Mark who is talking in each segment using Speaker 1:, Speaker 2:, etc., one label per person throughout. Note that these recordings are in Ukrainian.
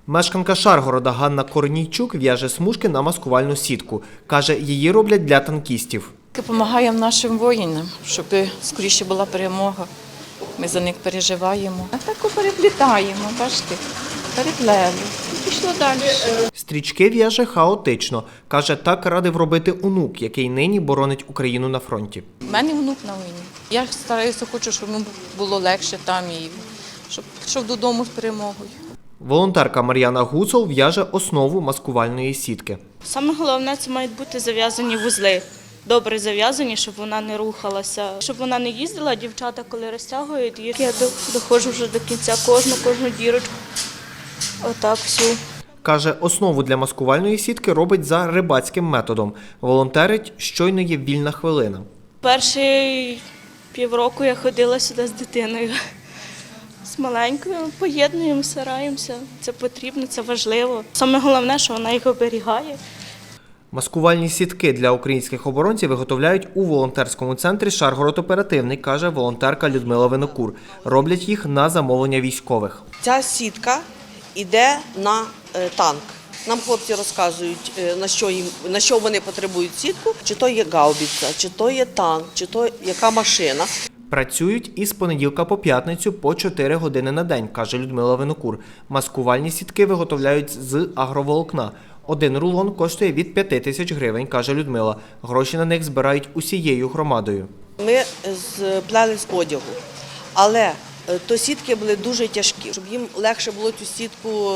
Speaker 1: Мешканка Шаргорода Ганна Корнійчук в'яже смужки на маскувальну сітку. Каже, її роблять для танкістів.
Speaker 2: Допомагаємо нашим воїнам, щоб скоріше була перемога. Ми за них переживаємо. А так переплітаємо, бачите, переплели. І пішло далі.
Speaker 1: Стрічки в'яже хаотично. Каже, так радив робити онук, який нині боронить Україну на фронті.
Speaker 2: У мене внук на війні. Я стараюся, хочу, щоб йому було легше там і щоб пішов додому з перемогою.
Speaker 1: Волонтерка Мар'яна Гуцул в'яже основу маскувальної сітки.
Speaker 3: Саме головне – це мають бути зав'язані вузли. Добре зав'язані, щоб вона не рухалася, щоб вона не їздила. Дівчата, коли розтягують їх, я доходжу вже до кінця кожну дірочку. Отак всю.
Speaker 1: Каже, основу для маскувальної сітки робить за рибацьким методом. Волонтерить, щойно є вільна хвилина.
Speaker 3: Перші півроку я ходила сюди з дитиною. З маленькою поєднуємо, стараємося. Це потрібно, це важливо. Саме головне, що вона їх оберігає.
Speaker 1: Маскувальні сітки для українських оборонців виготовляють у волонтерському центрі «Шаргород Оперативний», каже волонтерка Людмила Винокур. Роблять їх на замовлення військових.
Speaker 4: Ця сітка йде на танк. Нам хлопці розказують, на що вони потребують сітку, чи то є гаубиця, чи то є танк, чи то яка машина.
Speaker 1: Працюють із понеділка по п'ятницю по 4 години на день, каже Людмила Винокур. Маскувальні сітки виготовляють з агроволокна. Один рулон коштує від 5 тисяч гривень, каже Людмила. Гроші на них збирають усією громадою.
Speaker 4: Ми сплели з одягу, але то сітки були дуже тяжкі, щоб їм легше було цю сітку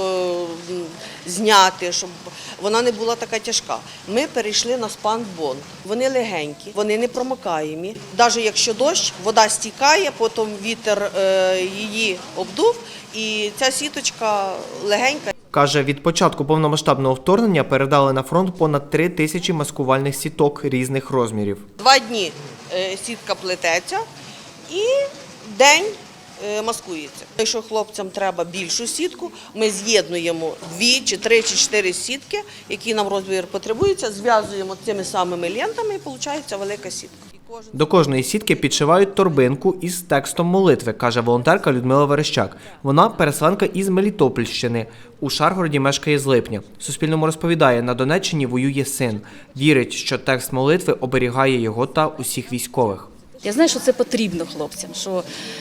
Speaker 4: зняти, щоб вона не була така тяжка. Ми перейшли на спанбонд. Вони легенькі, вони не промокаємі. Навіть якщо дощ, вода стікає, потім вітер її обдув, і ця сіточка легенька.
Speaker 1: Каже, від початку повномасштабного вторгнення передали на фронт понад 3 тисячі маскувальних сіток різних розмірів.
Speaker 4: 2 дні сітка плететься і день маскується. Якщо хлопцям треба більшу сітку, ми з'єднуємо 2 чи 3 чи 4 сітки, які нам розмір потребується, зв'язуємо цими самими лентами і виходить велика сітка.
Speaker 1: До кожної сітки підшивають торбинку із текстом молитви, каже волонтерка Людмила Верещак. Вона переселенка із Мелітопольщини. У Шаргороді мешкає з липня. Суспільному розповідає, на Донеччині воює син. Вірить, що текст молитви оберігає його та усіх військових.
Speaker 5: Я знаю, що це потрібно хлопцям, що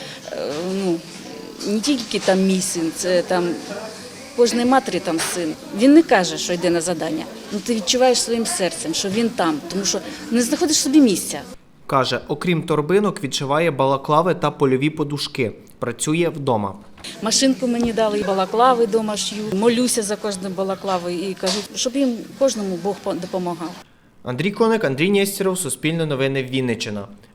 Speaker 5: не тільки там мій син, це там кожної матері там син. Він не каже, що йде на завдання, але ти відчуваєш своїм серцем, що він там, тому що не знаходиш собі місця.
Speaker 1: Каже, окрім торбинок, відшиває балаклави та польові подушки. Працює вдома.
Speaker 5: Машинку мені дали, балаклави вдома шью, молюся за кожну балаклаву і кажу, щоб їм кожному Бог допомагав.
Speaker 1: Андрій Коник, Андрій Нєстєров, Суспільне новини, Вінниччина.